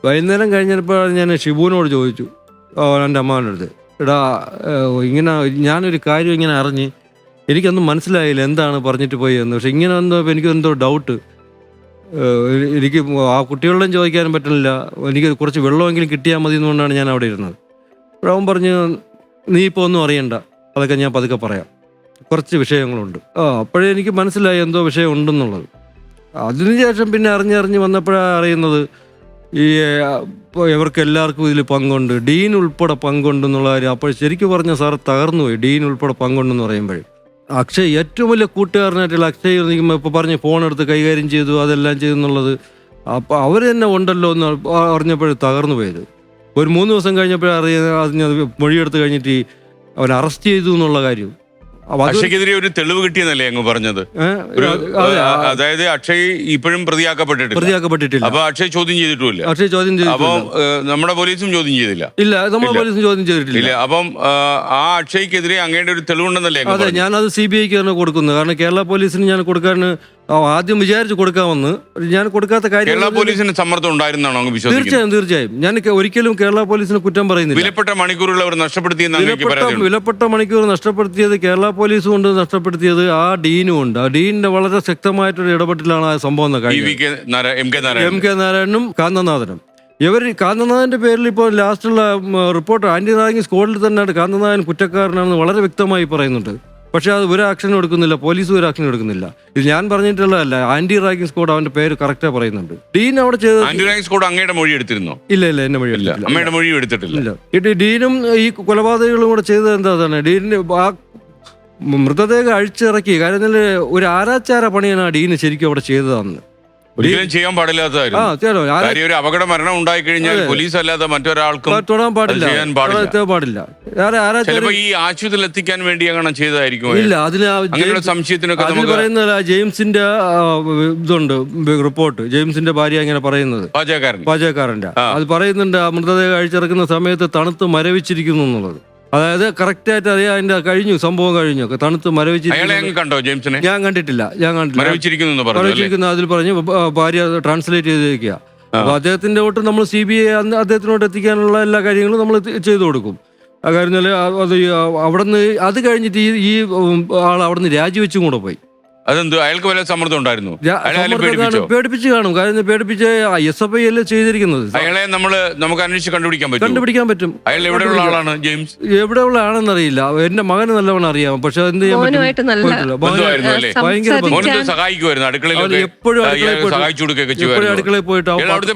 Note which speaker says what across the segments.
Speaker 1: വൈകുന്നേരം കഴിഞ്ഞപ്പോൾ ഞാൻ ഷിബുവിനോട് ചോദിച്ചു, എൻ്റെ അമ്മാവൻ്റെ അടുത്ത്, എടാ ഇങ്ങനെ ഞാനൊരു കാര്യം ഇങ്ങനെ അറിഞ്ഞ് എനിക്കൊന്നും മനസ്സിലായില്ല എന്താണ് പറഞ്ഞിട്ട് പോയി എന്ന്. പക്ഷെ ഇങ്ങനെ എന്തോ എനിക്കെന്തോ ഡൗട്ട്, എനിക്ക് ആ കുട്ടികളോടും ചോദിക്കാനും പറ്റുന്നില്ല, എനിക്ക് കുറച്ച് വെള്ളമെങ്കിലും കിട്ടിയാൽ മതി എന്നുകൊണ്ടാണ് ഞാൻ അവിടെ ഇരുന്നത്. അവൻ പറഞ്ഞു, നീ ഇപ്പോൾ ഒന്നും അറിയണ്ട, അതൊക്കെ ഞാൻ പതുക്കെ പറയാം, കുറച്ച് വിഷയങ്ങളുണ്ട്. അപ്പോഴേ എനിക്ക് മനസ്സിലായി എന്തോ വിഷയം ഉണ്ടെന്നുള്ളത്. അതിനുശേഷം പിന്നെ അറിഞ്ഞ് വന്നപ്പോഴാണ് അറിയുന്നത് ഈ ഇവർക്ക് എല്ലാവർക്കും ഇതിൽ പങ്കുണ്ട്, ഡീൻ ഉൾപ്പെടെ പങ്കുണ്ടെന്നുള്ള കാര്യം. അപ്പോൾ ശരിക്കും പറഞ്ഞാൽ സാറ് തകർന്നുപോയി. ഡീൻ ഉൾപ്പെടെ പങ്കുണ്ടെന്ന് പറയുമ്പോഴേ അക്ഷയ് ഏറ്റവും വലിയ കൂട്ടുകാരനായിട്ടുള്ള അക്ഷയ് ഇപ്പോൾ പറഞ്ഞ് ഫോണെടുത്ത് കൈകാര്യം ചെയ്തു, അതെല്ലാം ചെയ്തു എന്നുള്ളത്. അപ്പോൾ അവർ തന്നെ ഉണ്ടല്ലോ എന്ന് അറിഞ്ഞപ്പോഴേ തകർന്നു പോയത്. ഒരു 3 ദിവസം കഴിഞ്ഞപ്പോഴറിഞ്ഞത് മൊഴിയെടുത്ത് കഴിഞ്ഞിട്ട് അവൻ അറസ്റ്റ് ചെയ്തു എന്നുള്ള കാര്യം.
Speaker 2: അക്ഷയ്ക്കെതിരെ ഒരു തെളിവ് കിട്ടിയെന്നല്ലേ അങ്ങ് പറഞ്ഞത്? അതായത് അക്ഷയ് ഇപ്പോഴും പ്രതിയാക്കപ്പെട്ടിട്ടില്ല. അപ്പൊ അക്ഷയ് ചോദ്യം ചെയ്തിട്ടില്ല. അപ്പം നമ്മുടെ പോലീസും ചോദ്യം ചെയ്തില്ല.
Speaker 1: ഇല്ല, നമ്മുടെ പോലീസും ചോദ്യം ചെയ്തിട്ടില്ല.
Speaker 2: അപ്പം ആ അക്ഷയ്ക്കെതിരെ അങ്ങയുടെ ഒരു തെളിവുണ്ടെന്നല്ലേ?
Speaker 1: അതെ, ഞാനത് CBIക്ക് തന്നെ കൊടുക്കുന്നത്. കാരണം കേരള പോലീസിന് ഞാൻ കൊടുക്കാൻ ആദ്യം വിചാരിച്ച് കൊടുക്കാമെന്ന്, ഞാൻ കൊടുക്കാത്ത കാര്യം.
Speaker 2: കേരള പോലീസിന് സമ്മർദ്ദം ഉണ്ടായിരുന്നാണോ അങ്ങ് വിശ്വസിക്കുന്നത്?
Speaker 1: തീർച്ചയായും. ഞാൻ ഒരിക്കലും കേരള പോലീസിന് കുറ്റം പറയുന്നില്ല.
Speaker 2: വിലപ്പെട്ട മണിക്കൂറുകൾ അവർ
Speaker 1: വിലപ്പെട്ട മണിക്കൂർ നഷ്ടപ്പെടുത്തിയത് കേരള പോലീസ് കൊണ്ട് നഷ്ടപ്പെടുത്തിയത് ആ ഡീനും ഉണ്ട്. ആ ഡീനിന്റെ വളരെ ശക്തമായിട്ടൊരു ഇടപെടലാണ് ആ സംഭവം. M K നാരായണനും കാന്തനാഥനും. കാന്തനാഥന്റെ പേരിൽ ഇപ്പോൾ ലാസ്റ്റുള്ള റിപ്പോർട്ട് ആന്റി റാഗിംഗ് സ്ക്വാഡിൽ തന്നെ കാന്തനാഥൻ കുറ്റക്കാരനാണെന്ന് വളരെ വ്യക്തമായി പറയുന്നുണ്ട്. പക്ഷെ അത് ഒരു ആക്ഷനും എടുക്കുന്നില്ല, പോലീസും ഒരു ആക്ഷനും എടുക്കുന്നില്ല. ഇത് ഞാൻ പറഞ്ഞിട്ടുള്ളതല്ല, ആന്റി റാഗിംഗ് സ്ക്വാഡ് അവന്റെ പേര് കറക്റ്റാ പറയുന്നുണ്ട്. ഡീൻ അവിടെ ചെയ്തത്
Speaker 2: ആന്റി റാഗിംഗ് സ്ക്വാഡ് അങ്ങയുടെ മൊഴി എടുത്തിരുന്നോ?
Speaker 1: ഇല്ല, എന്റെ മൊഴി എടുത്തില്ല.
Speaker 2: അമ്മയുടെ മൊഴി എടുത്തിട്ടില്ല.
Speaker 1: ഡീനും ഈ കൊലപാതകങ്ങളും കൂടെ ചെയ്തത് എന്താണ്? ഡീനിന് ആ മൃതദേഹം അഴിച്ചിറക്കി. കാര്യം ഒരു ആരാച്ചാര പണിയാണ് ആ ഡീന് ശരിക്കും അവിടെ ചെയ്തതാന്ന്.
Speaker 2: ഒരിക്കലും ചെയ്യാൻ പാടില്ലാത്തതായിരുന്നു. ഒരു അപകട മരണം ഉണ്ടായി കഴിഞ്ഞാൽ പോലീസ് അല്ലാതെ മറ്റൊരാൾക്കും
Speaker 1: തൊടാൻ പാടില്ല.
Speaker 2: ഈ ആശുപത്രിയിൽ എത്തിക്കാൻ വേണ്ടി അങ്ങനെ ചെയ്തതായിരിക്കും.
Speaker 1: ഇല്ല, അതിന്
Speaker 2: സംശയത്തിനൊക്കെ
Speaker 1: പറയുന്നത് ജെയിംസിന്റെ ഇതുണ്ട് റിപ്പോർട്ട്. ജെയിംസിന്റെ ഭാര്യ അങ്ങനെ പറയുന്നത്, പാചകക്കാരന്റെ അത് പറയുന്നുണ്ട്, ആ മൃതദേഹം അഴിച്ചിറക്കുന്ന സമയത്ത് തണുത്ത് മരവിച്ചിരിക്കുന്നു എന്നുള്ളത്. അതായത് കറക്റ്റായിട്ട് അറിയാം, അതിന്റെ കഴിഞ്ഞു, സംഭവം കഴിഞ്ഞു, തണുത്ത് മരവിച്ചിരിക്കുന്നു. ഞാൻ കണ്ടിട്ടില്ല. മരവിച്ചിരിക്കുന്നു അതിൽ പറഞ്ഞു. ഭാര്യ ട്രാൻസ്ലേറ്റ് ചെയ്തിരിക്കുക. അപ്പൊ അദ്ദേഹത്തിന്റെ തൊട്ട് നമ്മൾ CBI അദ്ദേഹത്തിനോട്ട് എത്തിക്കാനുള്ള എല്ലാ കാര്യങ്ങളും നമ്മൾ ചെയ്തു കൊടുക്കും. ആ കാര്യം അത് അവിടുന്ന് അത് കഴിഞ്ഞിട്ട് ഈ ആൾ അവിടുന്ന് രാജിവെച്ചും കൂടെ പോയി.
Speaker 2: അതെന്ത്, അയാൾക്ക് വല്ല സമ്മർദ്ദം ഉണ്ടായിരുന്നു?
Speaker 1: പേടിപ്പിച്ച് കാണും. കാര്യം പേടിപ്പിച്ച് SFI അല്ലേ ചെയ്തിരിക്കുന്നത്.
Speaker 2: അയാളെ നമുക്ക് അന്വേഷിച്ച്
Speaker 1: കണ്ടുപിടിക്കാൻ പറ്റും.
Speaker 2: അയാൾ എവിടെയുള്ള ആളാണ്? ജെയിംസ്
Speaker 1: എവിടെയുള്ള ആണെന്ന് അറിയില്ല. എന്റെ മകന് നല്ലവണ്ണം അറിയാം. പക്ഷെ എന്ത് ചെയ്യാൻ പറ്റും?
Speaker 2: സഹായിക്കുമായിരുന്നു അടുക്കളയിൽ,
Speaker 1: അടുക്കളയിൽ പോയിട്ട്.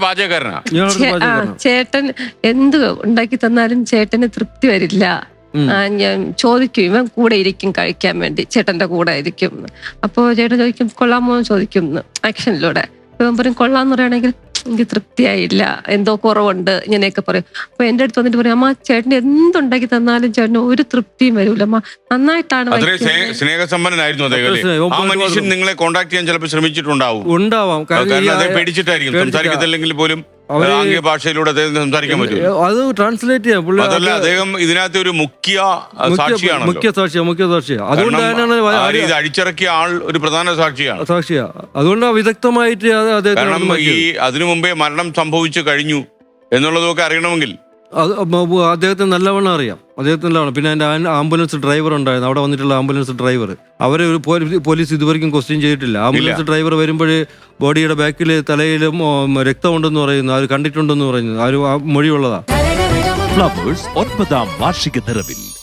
Speaker 3: ചേട്ടൻ എന്ത് ഉണ്ടാക്കി തന്നാലും ചേട്ടന് തൃപ്തി വരില്ല. ഞാൻ ചോദിക്കും, ഇവൻ കൂടെ ഇരിക്കും കഴിക്കാൻ വേണ്ടി, ചേട്ടന്റെ കൂടെ ഇരിക്കും. അപ്പൊ ചേട്ടൻ ചോദിക്കും കൊള്ളാമോ ചോദിക്കും ആക്ഷനിലൂടെ. ഇവൻ പറയും കൊള്ളാന്ന് പറയുകയാണെങ്കിൽ എനിക്ക് തൃപ്തിയായില്ല, എന്തോ കുറവുണ്ട്, ഇങ്ങനെയൊക്കെ പറയും. അപ്പൊ എന്റെ അടുത്ത് വന്നിട്ട് പറയും, അമ്മ ചേട്ടന് എന്തുണ്ടാക്കി തന്നാലും ചേട്ടന് ഒരു തൃപ്തിയും വരൂല, അമ്മ നന്നായിട്ടാണ്.
Speaker 2: സ്നേഹസമ്പന്നനായിരുന്നു നിങ്ങളെ കോൺടാക്ട് ചെയ്യാൻ ചിലപ്പോൾ ശ്രമിച്ചിട്ടുണ്ടാവും. പേടിച്ചിട്ടായിരിക്കും, സംസാരിക്കത്തില്ലെങ്കിൽ പോലും ഭാഷയിലൂടെ സംസാരിക്കാൻ പറ്റും.
Speaker 1: അത് ട്രാൻസ്ലേറ്റ് ചെയ്യാം.
Speaker 2: അതല്ല, അദ്ദേഹം ഇതിനകത്ത് ഒരു മുഖ്യ സാക്ഷിയാണ്.
Speaker 1: അതുകൊണ്ടാണ്
Speaker 2: ഇത് അഴിച്ചിറക്കിയ ആൾ ഒരു പ്രധാന സാക്ഷിയാണ്.
Speaker 1: അതുകൊണ്ടാണ് വിദഗ്ധമായിട്ട്.
Speaker 2: കാരണം ഈ അതിനു മുമ്പേ മരണം സംഭവിച്ചു കഴിഞ്ഞു എന്നുള്ളതൊക്കെ അറിയണമെങ്കിൽ
Speaker 1: അദ്ദേഹത്തിന് നല്ലവണ്ണം അറിയാം. പിന്നെ എൻ്റെ ആംബുലൻസ് ഡ്രൈവർ ഉണ്ടായിരുന്നു, അവിടെ വന്നിട്ടുള്ള ആംബുലൻസ് ഡ്രൈവർ. അവരെ പോലീസ് ഇതുവരെയും ക്വസ്റ്റ്യൻ ചെയ്തിട്ടില്ല. ആംബുലൻസ് ഡ്രൈവർ വരുമ്പോഴേ ബോഡിയുടെ ബാക്കിൽ തലയിലും രക്തമുണ്ടെന്ന് പറയുന്നു, അവർ കണ്ടിട്ടുണ്ടെന്ന് പറയുന്നു, ആ ഒരു മൊഴിയുള്ളതാ.
Speaker 4: ഫ്ലവേഴ്സ് 9ാം വാർഷിക നിറവിൽ